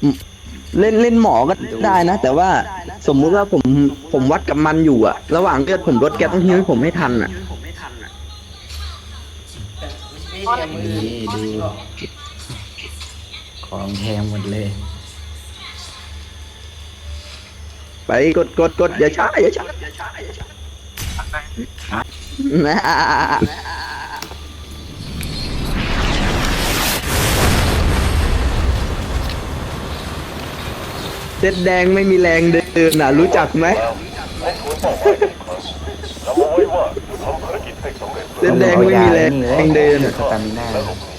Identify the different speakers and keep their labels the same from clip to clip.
Speaker 1: เล่นหมอก็ได้นะแต่ว่าสมมุติว่าผมวัดกับมันอยู่อะระหว่างเลือดผมลดแกต้องฮิวให้ผมให้ทันอะ
Speaker 2: นี่ดูของแพงหมดเลย
Speaker 1: ไปกดอย่าช้านะเส้นแดงไม่มีแรงเดินน่ะรู้จักไหมเส้นแดงไม่มีแรงเดิน
Speaker 2: สตามิน่า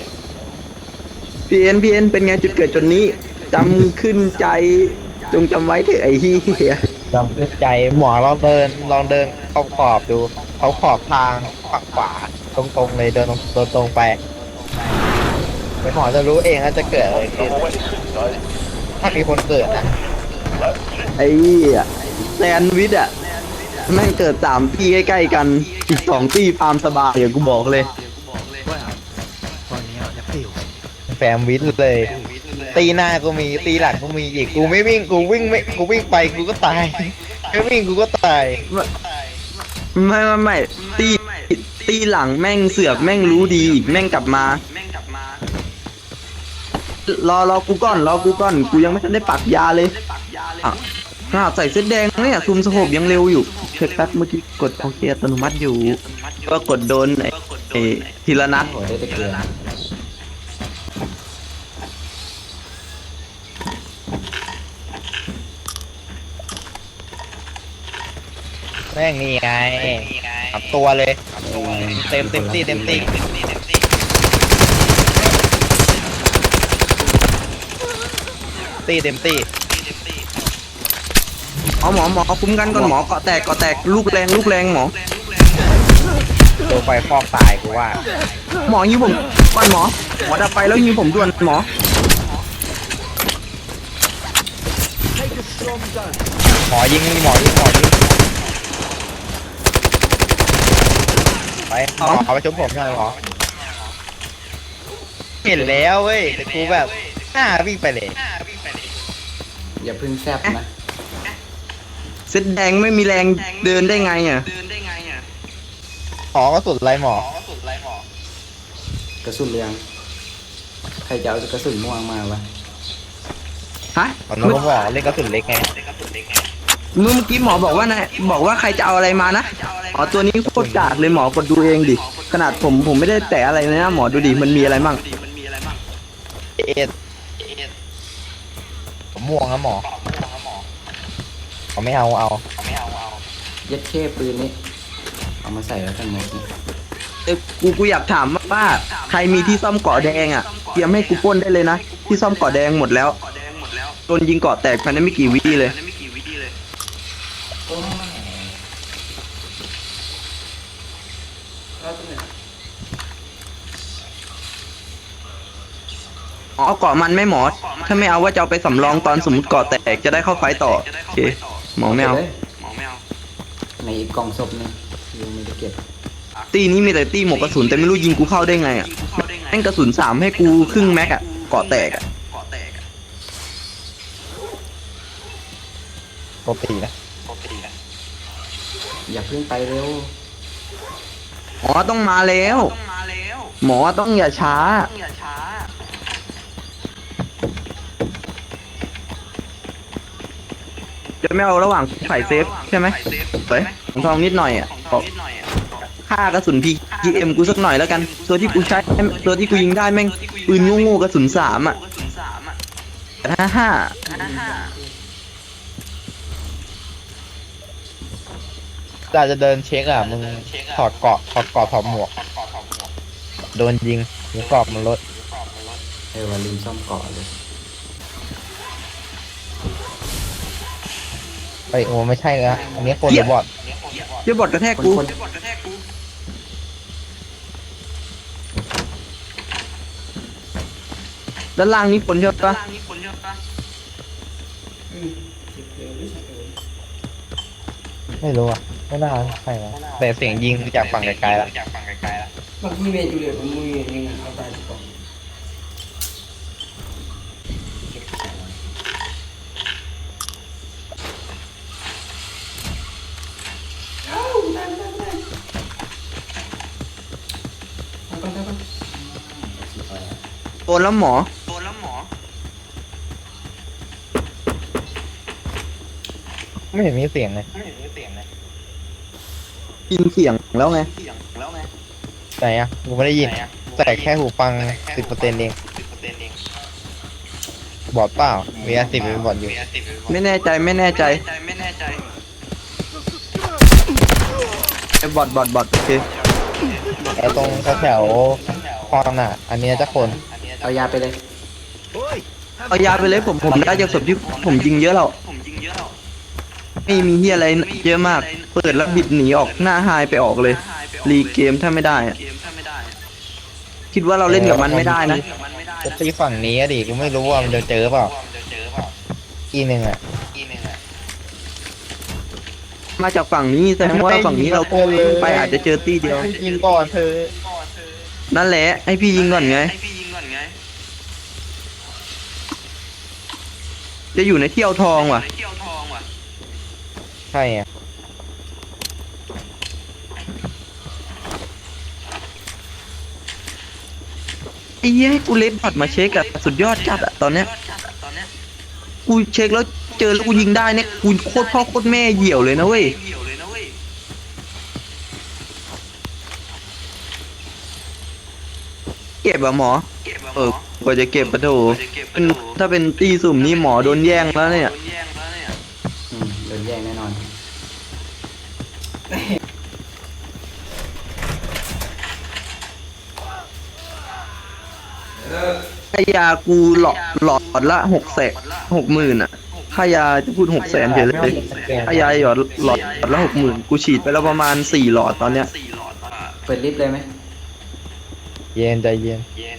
Speaker 1: พีเอ็นเป็นไงจุดเกิดจนนี้จำขึ้นใจจงจำไว้เถอะไอ้เหี้ย
Speaker 3: จำขึ้นใจหมอลองเดินขอบดูเขาขอบทางฝั่งขวาตรงๆเลยเดินตรงไปเดี๋ยวหมอจะรู้เองว่าจะเกิดอะไรขึ้นถ้ามีคนเกิดนะ
Speaker 1: ไอ้เหี้ยแซนด์วิชอะแม่งเกิด3 ที่ใกล้ๆกันอีก2 ที่ฟาร์มสบายเดี๋ยวกูบอกเลย
Speaker 3: แฟมวิทย์เลยตีหน้ากูมีตีหลังกูมีอีกกูไม่วิ่งกูวิ่งไม่กูวิ่งไปกูก็ตายไม่วิ่งกูก็ตาย
Speaker 1: ไม่ตีหลังแม่งเสือกแม่งรู้ดีอีกแม่งกลับมารอกูก่อนกูยังไม่ทันได้ปักยาเลยใส่เส้นแดงเนี่ยซูมสโคปยังเร็วอยู่เช็คแป๊บเมื่อกี้กดโอเคอัตโนมัติอยู่ก็กดโดนไอ้ทีละนัด
Speaker 2: หัวได้แต่เกลือ
Speaker 3: แม่งนี่ไงขับตัวเลยเต็มตีเต็มตี
Speaker 1: หมอคุ้มกันก่อนหมอเกาะแตกลูกแรงหมอ
Speaker 3: ตัวไฟฟอกตายกูว่า
Speaker 1: หมอยิงผมก่อนหมอดับไฟแล้วยิงผมด่วนหมอ
Speaker 3: ยิงไปเอาไปชมผมหน่อยหมอเห็นแล้วเว้ยแต่กูแบบวิ่งไปเลย
Speaker 2: อย่าพึ่งแซบนะ
Speaker 1: เส้นแดงไม่มีแรงเดินได้ไงอ่ะ
Speaker 3: ก็สุดไรหมอก
Speaker 2: ระสุนเรืองใครจะเอากระสุนม่วงมาวะ
Speaker 1: ฮะ
Speaker 3: เมื่อกี้เล่นกระสุนเล็กไง
Speaker 1: เมื่อกี้หมอบอกว่าใครจะเอาอะไรมานะตัวนี้โคตรกากเลยหมอกดดูเองดิขนาดผมไม่ได้แตะอะไรเลยนะหมอดูดิมันมีอะไรมั่ง
Speaker 3: ผมม่วงนะหมอเขาไม่เอา
Speaker 2: ยัดเข้ปืนนี้เอามาใส่แล้วกันหมด
Speaker 1: กูอยากถามว่าใครมีที่ซ่อมเกาะแดงอ่ะเตรียมให้กูปล้นได้เลยนะที่ซ่อมเกาะแดงหมดแล้วโดนยิงเกาะแตกภายในไม่กี่วิเลยเอาเกาะมันไม่หมอถ้าไม่เอาว่าจะเอาไปสำรองตอนสมมติเกาะแตกจะได้เข้าไฟต่อโอเคหมอไม่เอา
Speaker 2: ในอีกกล่องศพนึงยังไม่ได้เก็บ
Speaker 1: ตีนี้มีแต่ตีหมกกระสุนแต่ไม่รู้ยิงกูเข้าได้ไงอ่ะแม่งกระสุน3ให้กูครึ่งแม็กอ่ะเกาะแตกอ่ะ
Speaker 3: ปกตินะ
Speaker 2: อย่าเพิ่งไปเร็ว
Speaker 1: หมอต้องมาแล้วหมอต้องอย่าช้าจะไม่เอาระหว่างใส่เซฟใช่ไหมเฮ้ยของทองนิดหน่อยอ่ะค่ากระสุนPGMกูสักหน่อยแล้วกันตัวที่กูใช้ตัวที่กูยิงได้แม่งปืนโง่ๆกระสุน3อ่ะ55
Speaker 3: จะเดินเช็คมึงถอดเกาะถอดหมวกโดนยิงหมูกรอบมันลด
Speaker 2: ว่าลืมซ่อมเกาะเลย
Speaker 3: โอ้ไม่ใช่นะอันนี้คนหรือบอท
Speaker 1: เดี๋ยวบอทกระแทกกูด้านล่างนี้คนเยอะปะ
Speaker 3: ไม่รู้อ่ะไม่น่าใช่นะแต่เสียงยิงจากฝั่งไกลๆแล้ว
Speaker 4: บางทีเมย์จูเลียผมมือยังเอาตายก่อน
Speaker 1: โดนแล้วหมอ
Speaker 3: ไม่เห็นมีเสียงเลย
Speaker 1: ยินเสียงแล้วไง
Speaker 3: ไหนอ่ะกูไม่ได้ยินแต่แค่หูฟัง10%เองบอดเปล่ามี10เป็นบอดอยู่
Speaker 1: ไม่แน่ใจไม่แน่ใจบอทโอเค
Speaker 3: แล้วตรงแถวๆคอนอ่ะ อันเนี้ยจะคน
Speaker 2: เอายาไปเลย
Speaker 1: เอายาไปเลยผมได้จากศพที่ผมยิงเยอะแล้วไม่มีเฮียอะไรเยอะมาก เปิดแล้วบิดหนีออกหน้าไฮไปออกเลย รีเกมถ้าไม่ได้อะคิดว่าเราเล่นกับมันไม่ได้นะ
Speaker 3: จะตีฝั่งนี้อะดิกูไม่รู้ว่ามันจะเจอเปล่าอีหนึ่งอ่ะ
Speaker 1: มาจากฝั่งนี้แสดงว่าฝั่งนี้เราไปอาจจะเจอตี้เดียว
Speaker 3: ยิงก่อนเธอ
Speaker 1: นั่นแหละให้พี่ยิงก่อนไง จะอยู่ในเที่ยวทองว่ะ
Speaker 3: ใช่อ่ะ
Speaker 1: ไอ้เหี้ยให้กูเลดบัตรมาเช็คอะสุดยอดจัดอะตอนเนี้ยกูเช็คแล้วเจอแล้วกูยิงได้เนี่ยกูโคตรพ่อโคตรแม่เหี่ยวเลยนะเว้ยเก็บอะหมอกว่าจะเก็บปะโถถ้าเป็นตีสุ่มนี่หมอโดนแย่งแล้วเนี่ย
Speaker 2: โดนแย่งแน่นอน
Speaker 1: ค่ายากูหลอดละ60,000อะค่ายาจะพูด600,000เฉยเลยค่ายาหลอดละ60,000กูฉีดไปแล้วประมาณ4 หลอดตอนเนี้ย
Speaker 2: เปิดลิฟต์เลยไหม
Speaker 3: เย็นใจเย็น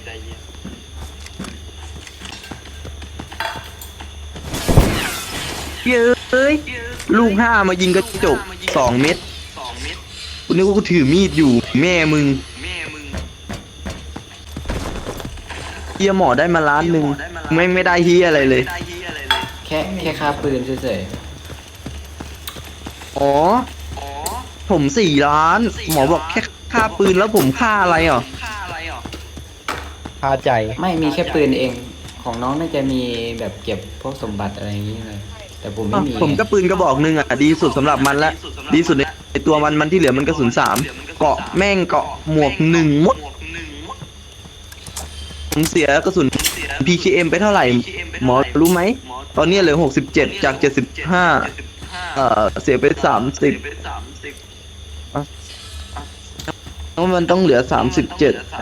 Speaker 1: เย้ยลูก5มายิงกระจก2 เม็ดกูนึกว่ากูถือมีดอยู่แม่มึงเฮียหมอได้มา1 ล้านไม่ได้เฮียอะไรเลย
Speaker 2: แค่ค่าปืนเฉย
Speaker 1: อ๋อผม4 ล้าน หมอบอกแค่ค่าปืนแล้วผมค่าอะไรอ่ะ
Speaker 3: พาใจ
Speaker 2: ๆไม่มีแค่ปืนเองของน้องน่าจะมีแบบเก็บพวกสมบัติอะไรอย่างนี้เลยแต่ผมไม่มี
Speaker 1: ผมก็ปืนกระบอกหนึ่งอ่ะดีสุดสำหรับมันละดีสุดในตัวมันที่เหลือมันกระสุน3เกาะแม่งเกาะหมวก1หมดผมเสียกระสุน PKM ไปเท่าไหร่ หมอรู้ไหมตอนนี้เหลือ67จาก75เสียไป30แล้วมันต้องเหลือ37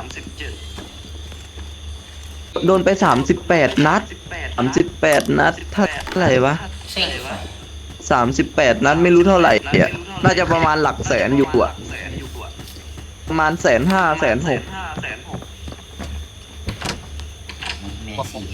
Speaker 1: โดนไป38 นัด38 นัดเท่าไหร่วะ38 นัดไม่รู้เท่าไหร่อ่ะน่าจะประมาณหลักแสนอยู่อ่ะประมาณ150,000 160,000
Speaker 5: แม่สี่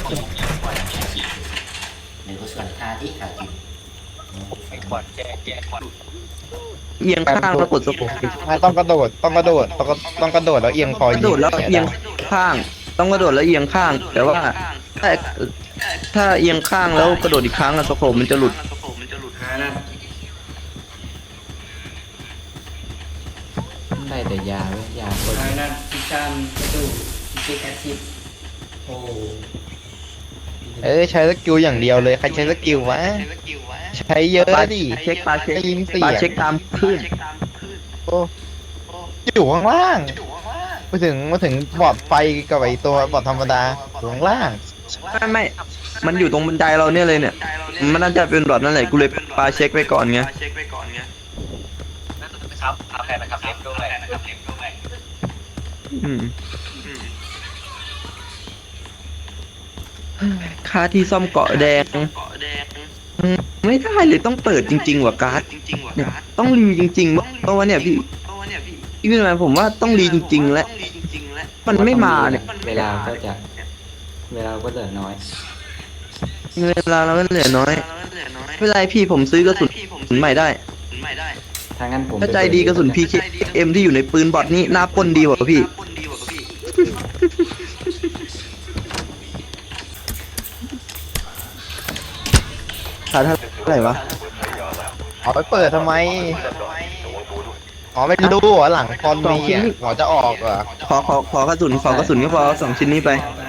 Speaker 5: หนึ่งก็ส่วนค่าที่ขาดอยู่ไฟบอดแจก
Speaker 1: เอียงข้างแล้วกดสโคป
Speaker 3: ไม่ต้องกระโดดต้องกระโดดแล้วเอียงคอก
Speaker 1: ระโดดแล้วเอียงข้าง ต้องกระโดดแล้วเอียงข้าง แต่ว่าถ้าเอียงข้างแล้วกระโดดอีกครั้งอะสโคปมันจะหลุด
Speaker 2: ได้แต่ยาเว้ยยาคน
Speaker 4: นั่นพิชานกระดูกพิเศษแอซิดโอ้
Speaker 3: ใช้สกิลอย่างเดียวเลยใครใช้สกิลวะใช้เยอะดิ
Speaker 1: เช็คปลาเช็ค
Speaker 3: ได้ยินเสีย
Speaker 1: ปลาง เช็คตามคลื่น
Speaker 3: โอ้อยู่ข้างล่างมาถึงบอร์ดไฟกับไอตัวบอร์ดธรรมดาอยู่ข้างล่าง
Speaker 1: ไม่มันอยู่ตรงบันไดเราเนี่ยเลยเนี่ย มันน่าจะเป็นบอดนั่นแหละกูเลยปลาเช็คไปก่อนไง
Speaker 5: ครับเอาแค่นะครับเล็บด้วยนะครับเล็บด้วย
Speaker 1: อืมค่าที่ซ่อมเกาะแดงไม่ได้เลยต้องเปิดจริงๆว่ะการ์ดเนี่ยต้องรีจริงๆเพราะว่าเนี่ยพี่พี่เป็นไงผมว่าต้องรีจริงๆแล้วมันไม่มาเนี่ย
Speaker 2: เวลาก็เหลือน้อย
Speaker 1: เวลาเราก็เหลือน้อยไม่เป็นไรพี่ผมซื้อกระสุนใหม่ได้
Speaker 2: ถ้างั้นผม
Speaker 1: ถ้าใจดีกระสุน PKM ที่อยู่ในปืนบอทนี่หน้าปล้นดีกว่าพี่ขาดเท่าไหร่วะ
Speaker 3: เอาไปเปิดทำไมอ๋อไม่รู้เหรอหลังคอนมีอ่ะหมอจะออกเหรอ
Speaker 1: ขอกระสุนก็พอ2 ชิ้นนี้ไป
Speaker 4: ตา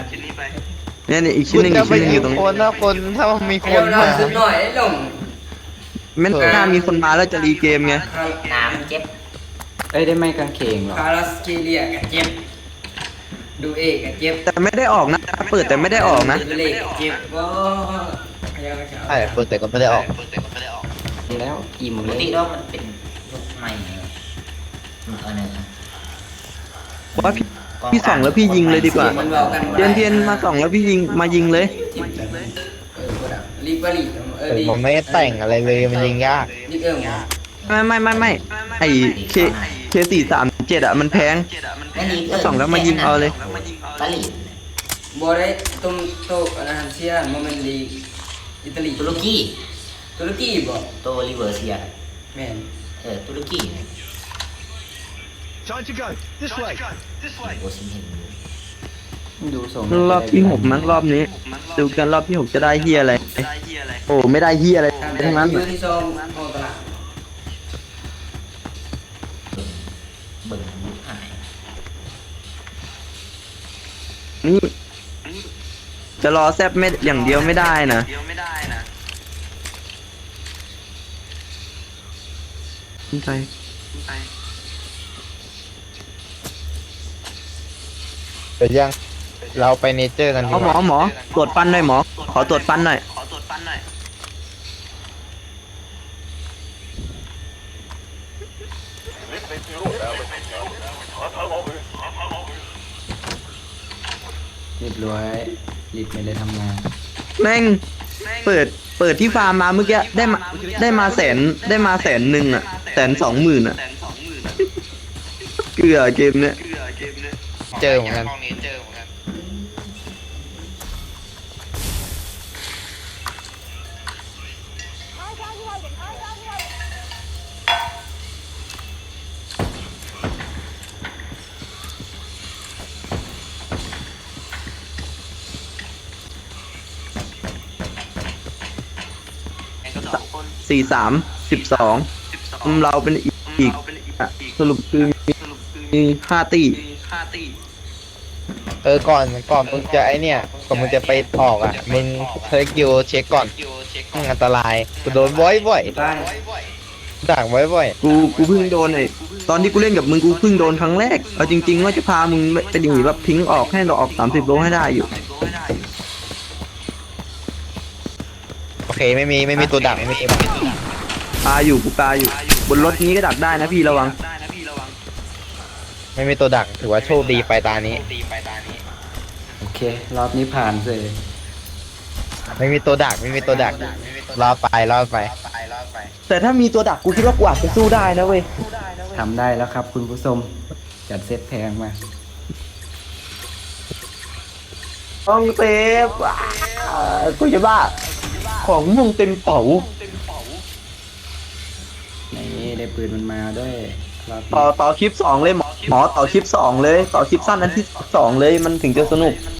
Speaker 1: เนี่ยอีกชิ้
Speaker 3: คุ
Speaker 1: น
Speaker 3: ณ
Speaker 1: หนึ่ง
Speaker 3: จะ
Speaker 1: อีก
Speaker 3: ไป
Speaker 1: ชิ้นหนึ่งอ
Speaker 3: ยิ
Speaker 1: ยู่
Speaker 3: ง
Speaker 1: ตรง
Speaker 3: คนถ้ามันมีค
Speaker 4: เดี๋ย
Speaker 3: น
Speaker 4: วเรา
Speaker 3: มา
Speaker 4: ซื้อหน่อยไอ้หลง
Speaker 1: แม่นถ้ามีคนมาแล้วจะรีเกมไง
Speaker 5: น้ำเจ็บ
Speaker 2: เอ้ยได้ไม้กางเขนเหรอ
Speaker 4: คาราสเกเลียกับเจ็บดูเอกกับเจ็บ
Speaker 1: แต่ไม่ได้ออกนะเปิดแต่ไม่ได้ออกนะ
Speaker 4: ดูเล็กกับเจ็บว้าพยายามจะ
Speaker 3: ใช่เปิดแต่ก็ไม่ได้ออก
Speaker 2: แล้วอิ่ม
Speaker 5: ป
Speaker 2: เล
Speaker 5: ก
Speaker 2: ย
Speaker 5: ติแล้วมันเป็นรถใหม่อันนั้น
Speaker 1: ว่าพี่ส่องแล้วพี่ยิงเลยดีกว่า
Speaker 4: มันเบากัน
Speaker 1: เทียนมาส่องแล้วพี่ยิงมายิงเลย
Speaker 4: รีบว่ารีบดี
Speaker 3: ผมไม่ได้แต่งอะไรเลยมันยิงยาก
Speaker 4: รีบ
Speaker 1: ไม่ไอเค437อ่ะมันแพง
Speaker 5: ไม่รี
Speaker 1: ส่องแล้วมายิงเอาเลย
Speaker 5: ปารีส
Speaker 4: บัวได้ตุ้มโตอันนั้นเชียโมเมนต์ลีอิตาลี
Speaker 5: ตุรกี
Speaker 4: ตุรกีบ่
Speaker 5: โตลิเวอร์เซีย
Speaker 4: แม่น
Speaker 5: ตุรกี
Speaker 6: Time to go. This way.
Speaker 5: โอซิมเห็น
Speaker 2: ดูส่ง
Speaker 1: รอบที่6มั้งรอบนี้ดูกันรอบที่6จะได้เฮียอะไรโอ้ไม่ได้เฮียอะไรทั้งนั้น
Speaker 4: ยูที่ซองโอตลาด
Speaker 5: เบิ่งยุคหาย
Speaker 1: นี่จะรอแซบไม่อย่างเดียวไม่ได้นะใจ
Speaker 3: เดี๋ยวยังเราไปเนเจอร์กันดี
Speaker 1: เอา
Speaker 3: ก
Speaker 1: หมอ
Speaker 3: ว่า
Speaker 1: หมอตรวจฟันหน่อยหมอขอตรวจฟันหน่อย
Speaker 2: เรียบร้อยรีบไปเลยทำงาน
Speaker 1: แม่งเปิดที่ฟาร์มมาเมื่อกี้ได้มา100,000อ่ะ120,000อ่ะเกลือเกมเนี้ย
Speaker 3: เจอเหมือนกัน
Speaker 1: 43 12เราเป็นอีกอ่ะสรุปคือมี5 ตี
Speaker 3: ก่อนมึงจะไอเนี่ยก่อนมึงจะไปออกอ่ะมึงเทคกิวเช็คก่อนอันตรายกูโดนบ่อย
Speaker 4: บ้าน
Speaker 3: ๆด่างบ่อย
Speaker 1: กูเพิ่งโดนไอ้ตอนที่กูเล่นกับมึงกูเพิ่งโดนครั้งแรกเอาจริงๆว่าจะพามึงไปหนีแบบทิ้งออกให้เราออก30 โลให้ได้อยู่
Speaker 3: ๆโอเคไม่มีตัวดักไม่มีตัวดัก
Speaker 1: ปลาอยู่กูปลาอยู่บนรถนี้ก็ดักได้นะพี่ระวัง
Speaker 3: ไม่มีตัวดักถือว่าโชคดีไปตานี้
Speaker 2: โอเค รอบนี้ผ่านเลย
Speaker 3: ไม่มีตัวดักรอไป
Speaker 1: แต่ถ้ามีตัวดักกูคิดว่ากูอาจจะสู้ได้นะเว้ย
Speaker 2: ทำได้แล้วครับคุณผู้ชมจัดเซตแพงมา
Speaker 1: ต้องเซฟกูจะบ้าของมึงเต็มเป๋า
Speaker 2: นี่ได้ปืนมันมาด้วยรอบนี้
Speaker 1: ต่อคลิป 2เลยหมอต่อคลิป 2เลยต่อคลิปสั้นนั้นที่2เลยมันถึงจะสนุก